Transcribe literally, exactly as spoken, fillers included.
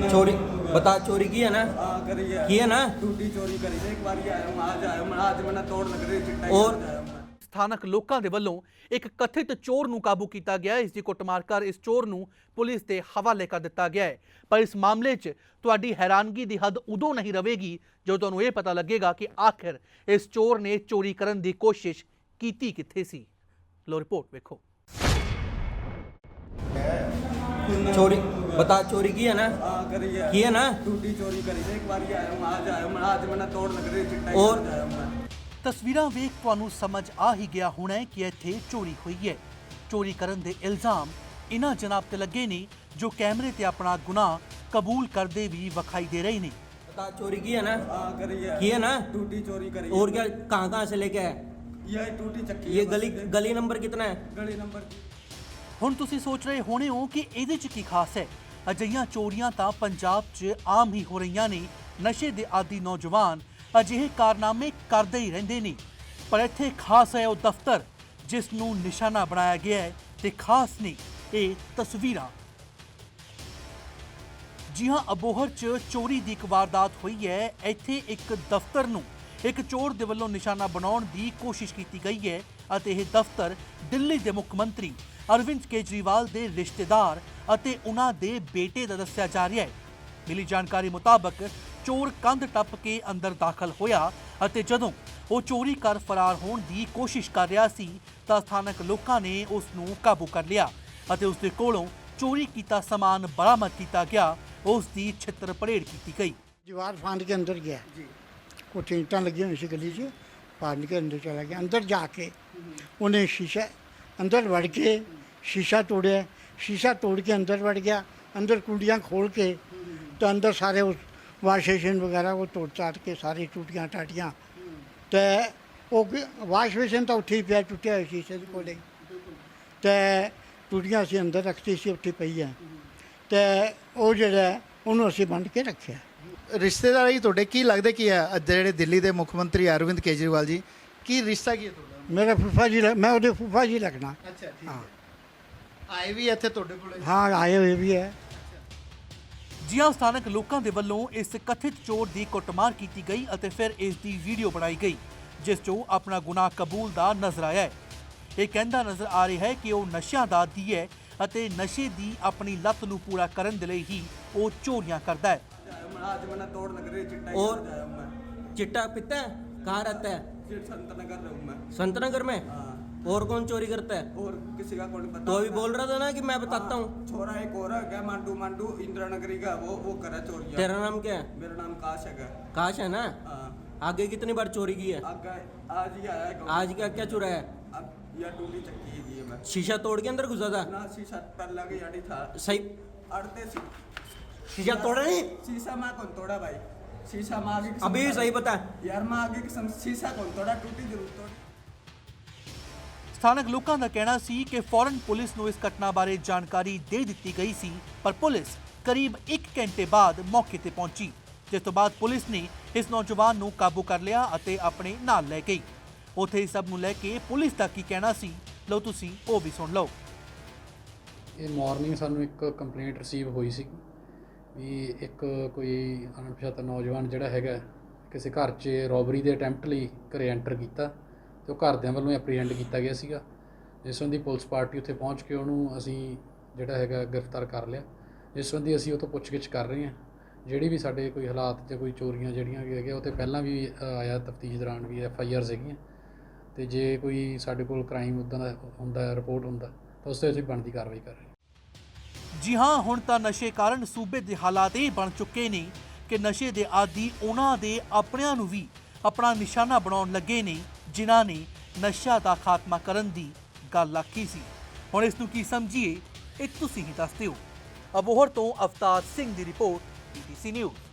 चोरी बता चोरी की है ना हाँ करी है की है ना टूटी चोरी करी है एक बार ही आया हूँ आज आया हूँ मैं आज मैंने तोड़ लग रही चिट्टा और ਸਥਾਨਕ ਲੋਕਾਂ ਦੇ ਵੱਲੋਂ ਇੱਕ ਕਥਿਤ ਚੋਰ ਨੂੰ ਕਾਬੂ ਕੀਤਾ ਗਿਆ ਹੈ। ਇਸ ਦੀ ਕੁੱਟਮਾਰ ਕਰ ਇਸ ਚੋਰ ਨੂੰ ਪੁਲਿਸ ਦੇ ਹਵਾਲੇ ਕਰ ਦਿੱਤਾ ਗਿਆ ਹੈ। ਪਰ ਇਸ ਮਾਮਲੇ 'ਚ ਤੁਹਾਡੀ ਹੈਰਾਨਗੀ ਦੀ ਹੱਦ ਉਦੋਂ ਨਹੀਂ ਰਹੇਗੀ ਜਦੋਂ ਤੁਹਾਨੂੰ ਇਹ ਪਤਾ ਲੱਗੇਗਾ ਕਿ ਆਖਿਰ ਇਸ ਚੋਰ ਨੇ ਚੋਰੀ ਕਰਨ ਦੀ ਕੋਸ਼ਿਸ਼ ਕੀਤੀ ਕਿੱਥੇ ਸੀ। ਲੋ ਰਿਪੋਰਟ ਵੇਖੋ। चोरी बता चोरी की है ना हाँ करी है की है ना टूटी चोरी करी है एक बार ही आया हूँ आज आया हूँ मैं आज मैंने तोड़ लग रही चिट्टा और आया हूँ मैं ਤਸਵੀਰਾਂ ਵੇਖ ਤੁਹਾਨੂੰ ਸਮਝ ਆ ਹੀ ਗਿਆ ਹੋਣਾ ਹੈ ਕਿ ਇੱਥੇ ਚੋਰੀ ਹੋਈ ਹੈ। ਚੋਰੀ ਕਰਨ ਦੇ ਇਲਜ਼ਾਮ ਇਨ੍ਹਾਂ ਜਨਾਬ ਤੇ ਲੱਗੇ ਨੇ ਜੋ ਕੈਮਰੇ ਤੇ ਆਪਣਾ ਗੁਨਾਹ ਕਬੂਲ ਕਰਦੇ ਵੀ ਵਿਖਾਈ ਦੇ ਰਹੇ ਨੇ। बता चोरी की है ना हाँ करी है की है ना टूटी चोरी करी और क्या कहाँ कहाँ से लेके आए यही टूटी चक्की ये है गली बस। गली नंबर कितना है गली नंबर ਹੁਣ ਤੁਸੀਂ ਸੋਚ ਰਹੇ ਹੋਣੇ ਹੋ ਕਿ ਇਹਦੇ 'ਚ ਕੀ ਖਾਸ ਹੈ। ਅਜਿਹੀਆਂ ਚੋਰੀਆਂ ਤਾਂ ਪੰਜਾਬ 'ਚ ਆਮ ਹੀ ਹੋ ਰਹੀਆਂ ਨੇ। ਨਸ਼ੇ ਦੇ ਆਦੀ ਨੌਜਵਾਨ ਅਜਿਹੇ ਕਾਰਨਾਮੇ ਕਰਦੇ ਹੀ ਰਹਿੰਦੇ ਨੇ। ਪਰ ਇੱਥੇ ਖਾਸ ਹੈ ਉਹ ਦਫ਼ਤਰ ਜਿਸ ਨੂੰ ਨਿਸ਼ਾਨਾ ਬਣਾਇਆ ਗਿਆ ਹੈ ਤੇ ਖਾਸ ਨੇ ਇਹ ਤਸਵੀਰਾਂ। ਜੀ ਹਾਂ, ਅਬੋਹਰ 'ਚ ਚੋਰੀ ਦੀ ਇੱਕ ਵਾਰਦਾਤ ਹੋਈ ਹੈ। ਇੱਥੇ ਇੱਕ ਦਫ਼ਤਰ ਨੂੰ ਇੱਕ ਚੋਰ ਦੇ ਵੱਲੋਂ ਨਿਸ਼ਾਨਾ ਬਣਾਉਣ ਦੀ ਕੋਸ਼ਿਸ਼ ਕੀਤੀ ਗਈ ਹੈ ਅਤੇ ਇਹ ਦਫ਼ਤਰ ਦਿੱਲੀ ਦੇ ਮੁੱਖ ਮੰਤਰੀ ਅਰਵਿੰਦ ਕੇਜਰੀਵਾਲ ਦੇ ਰਿਸ਼ਤੇਦਾਰ ਅਤੇ ਉਹਨਾਂ ਦੇ ਬੇਟੇ ਦਾ ਦੱਸਿਆ ਜਾ ਰਿਹਾ ਹੈ। ਮਿਲੀ ਜਾਣਕਾਰੀ ਮੁਤਾਬਕ ਚੋਰ ਕੰਧ ਟੱਪ ਕੇ ਅੰਦਰ ਦਾਖਲ ਹੋਇਆ ਅਤੇ ਜਦੋਂ ਉਹ ਚੋਰੀ ਕਰ ਫਰਾਰ ਹੋਣ ਦੀ ਕੋਸ਼ਿਸ਼ ਕਰ ਰਿਹਾ ਸੀ ਤਾਂ ਸਥਾਨਕ ਲੋਕਾਂ ਨੇ ਉਸ ਨੂੰ ਕਾਬੂ ਕਰ ਲਿਆ ਅਤੇ ਉਸ ਦੇ ਕੋਲੋਂ ਚੋਰੀ ਕੀਤਾ ਸਮਾਨ ਬਰਾਮਦ ਕੀਤਾ ਗਿਆ। ਉਸ ਦੀ ਛਿੱਤਰ ਪਰੇਡ ਕੀਤੀ ਗਈ। दीवार फांद के अंदर गया कुछ ईंटां लगी हुई सी गली से फांद के अंदर चला गया। अंदर जाके उन्हें शीशा अंदर वड़ के शीशा तोड़े शीशा तोड़ के अंदर वड़ गया। अंदर कुंडियाँ खोल के तो अंदर सारे उस वाश बेसिन वगैरह वो तोड़ चाट के सारी टूटियाँ टाटियाँ तो वो वाश बेसिन तो उठी पिया टुटिया हुआ शीशे के कोले तो टूटियाँ असीं अंदर रखती सी उठी पई है तो वो जिहड़ा ਉਹਨੂੰ ਅਸੀਂ ਬੰਦ ਕੇ ਰੱਖਿਆ। ਰਿਸ਼ਤੇਦਾਰ ਹੀ ਤੁਹਾਡੇ ਕੀ ਲੱਗਦਾ ਕੀ ਹੈ ਜਿਹੜੇ ਦਿੱਲੀ ਦੇ ਮੁੱਖ ਮੰਤਰੀ ਅਰਵਿੰਦ ਕੇਜਰੀਵਾਲ ਜੀ ਕੀ ਰਿਸ਼ਤਾ ਕੀ ਹੈ ਤੁਹਾਡਾ? ਮੇਰਾ ਫੁੱਫਾ ਜੀ ਲੱਗ- ਮੈਂ ਉਹਦੇ ਫੁੱਫਾ ਜੀ ਲੱਗਣਾ। ਅੱਛਾ ਠੀਕ ਹਾਂ ਹੈ ਆਏ ਵੀ ਇੱਥੇ ਤੁਹਾਡੇ ਕੋਲੇ? ਹਾਂ ਆਏ ਹੋਏ ਵੀ ਹੈ। ਜੀ ਹਾਂ, ਸਥਾਨਕ ਲੋਕਾਂ ਦੇ ਵੱਲੋਂ ਇਸ ਕਥਿਤ ਚੋਰ ਦੀ ਕੁੱਟਮਾਰ ਕੀਤੀ ਗਈ ਅਤੇ ਫਿਰ ਇਸ ਦੀ ਵੀਡੀਓ ਬਣਾਈ ਗਈ ਜਿਸ 'ਚੋਂ ਆਪਣਾ ਗੁਨਾਹ ਕਬੂਲ ਦਾ ਨਜ਼ਰ ਆਇਆ ਹੈ। ਇਹ ਕਹਿੰਦਾ ਨਜ਼ਰ ਆ ਰਿਹਾ ਹੈ ਕਿ ਉਹ ਨਸ਼ਿਆਂ ਦਾ ਆਦੀ ਹੈ ਅਤੇ ਨਸ਼ੇ ਦੀ ਆਪਣੀ ਲੱਤ ਨੂੰ ਪੂਰਾ ਕਰਨ ਦੇ ਲਈ ਹੀ ਉਹ ਚੋਰੀਆਂ ਕਰਦਾ ਹੈ। आज मैंने तोड़ लग रही चिट्टा और आया हूँ मैं चिट्टा पिता है कहाँ रहता है फिर संत नगर रहूँ मैं संतनगर में हाँ और कौन चोरी करता है और किसी का कोई पता तो अभी बोल रहा था ना कि मैं बताता हूँ छोरा एक और है क्या मांडू मांडू इंदिरा नगरी का वो वो करा चोरी तेरा नाम क्या है मेरा नाम काश है। काश है ना हाँ आगे कितनी बार चोरी की है आगे आज ही आया है आज क्या क्या चुरा है अब यह टूटी चक्की ही है मैं शीशा तोड़ के अंदर घुसा था ना शीशा पर लगे यानी था सही अड़ते सी शीशा तोड़ा नहीं शीशा माँ कौन तोड़ा भाई शीशा माँ आगे की अभी समझ- सही बता यार माँ आगे की समझ- शीशा कौन तोड़ा टूटी जरूर तोड़ी। ਸਥਾਨਕ ਲੋਕਾਂ ਦਾ ਕਹਿਣਾ ਸੀ ਕਿ ਫੌਰਨ ਪੁਲਿਸ ਨੂੰ ਇਸ ਘਟਨਾ ਬਾਰੇ ਜਾਣਕਾਰੀ ਦੇ ਦਿੱਤੀ ਗਈ ਸੀ ਪਰ ਪੁਲਿਸ ਕਰੀਬ ਇੱਕ ਘੰਟੇ ਬਾਅਦ ਮੌਕੇ ਤੇ ਪਹੁੰਚੀ ਜਿਸ ਤੋਂ ਬਾਅਦ ਪੁਲਿਸ ਨੇ ਇਸ ਨੌਜਵਾਨ ਨੂੰ ਕਾਬੂ ਕਰ ਲਿਆ ਅਤੇ ਆਪਣੇ ਨਾਲ ਲੈ ਗਈ। ਉੱਥੇ ਇਸ ਸਭ ਨੂੰ ਲੈ ਕੇ ਪੁਲਿਸ ਦਾ ਕੀ ਕਹਿਣਾ ਸੀ ਲਓ ਤੁਸੀਂ ਉਹ ਵੀ ਸੁਣ ਲਓ। ਇਹ ਮਾਰਨਿੰਗ ਸਾਨੂੰ ਇੱਕ ਕੰਪਲੇਂਟ ਰਿਸੀਵ ਹੋਈ ਸੀ ਵੀ ਇੱਕ ਕੋਈ ਅਣਪਛਾਤਾ ਨੌਜਵਾਨ ਜਿਹੜਾ ਹੈਗਾ ਕਿਸੇ ਘਰ 'ਚ ਰੋਬਰੀ ਦੇ ਅਟੈਂਪਟ ਲਈ ਘਰੇ ਐਂਟਰ ਕੀਤਾ ਤੇ ਉਹ ਘਰਦਿਆਂ ਵੱਲੋਂ ਐਪਰੀਹੈਂਡ ਕੀਤਾ ਗਿਆ ਸੀਗਾ ਜਿਸ ਸੰਬੰਧੀ ਪੁਲਿਸ ਪਾਰਟੀ ਉੱਥੇ ਪਹੁੰਚ ਕੇ ਉਹਨੂੰ ਅਸੀਂ ਜਿਹੜਾ ਹੈਗਾ ਗ੍ਰਿਫਤਾਰ ਕਰ ਲਿਆ। ਜਿਸ ਸੰਬੰਧੀ ਅਸੀਂ ਉਹ ਤੋਂ ਪੁੱਛਗਿੱਛ ਕਰ ਰਹੇ ਹਾਂ। ਜਿਹੜੀ ਵੀ ਸਾਡੇ ਕੋਈ ਹਾਲਾਤ ਜਾਂ ਕੋਈ ਚੋਰੀਆਂ ਜਿਹੜੀਆਂ ਵੀ ਹੈਗੀਆਂ ਉਹ 'ਤੇ ਪਹਿਲਾਂ ਵੀ ਆਇਆ ਤਫਤੀਸ਼ ਦੌਰਾਨ ਵੀ ਐਫ ਆਈ ਆਰਸ ਹੈਗੀਆਂ ਅਤੇ ਜੇ ਕੋਈ ਸਾਡੇ ਕੋਲ ਕ੍ਰਾਈਮ ਉੱਦਾਂ ਦਾ ਹੁੰਦਾ ਰਿਪੋਰਟ ਹੁੰਦਾ ਤਾਂ ਉਸ 'ਤੇ ਅਸੀਂ ਬਣਦੀ ਕਾਰਵਾਈ ਕਰ ਰਹੇ ਹਾਂ। ਜੀ ਹਾਂ, ਹੁਣ ਤਾਂ ਨਸ਼ੇ ਕਾਰਨ ਸੂਬੇ ਦੇ ਹਾਲਾਤ ਇਹ ਬਣ ਚੁੱਕੇ ਨੇ ਕਿ ਨਸ਼ੇ ਦੇ ਆਦੀ ਉਹਨਾਂ ਦੇ ਆਪਣਿਆਂ ਨੂੰ ਵੀ ਆਪਣਾ ਨਿਸ਼ਾਨਾ ਬਣਾਉਣ ਲੱਗੇ ਨੇ ਜਿਨ੍ਹਾਂ ਨੇ ਨਸ਼ਾ ਦਾ ਖਾਤਮਾ ਕਰਨ ਦੀ ਗੱਲ ਆਖੀ ਸੀ। ਹੁਣ ਇਸ ਨੂੰ ਕੀ ਸਮਝੀਏ ਇਹ ਤੁਸੀਂ ਹੀ ਦੱਸ ਦਿਓ। ਅਬੋਹਰ ਤੋਂ ਅਵਤਾਰ ਸਿੰਘ ਦੀ report P T C news.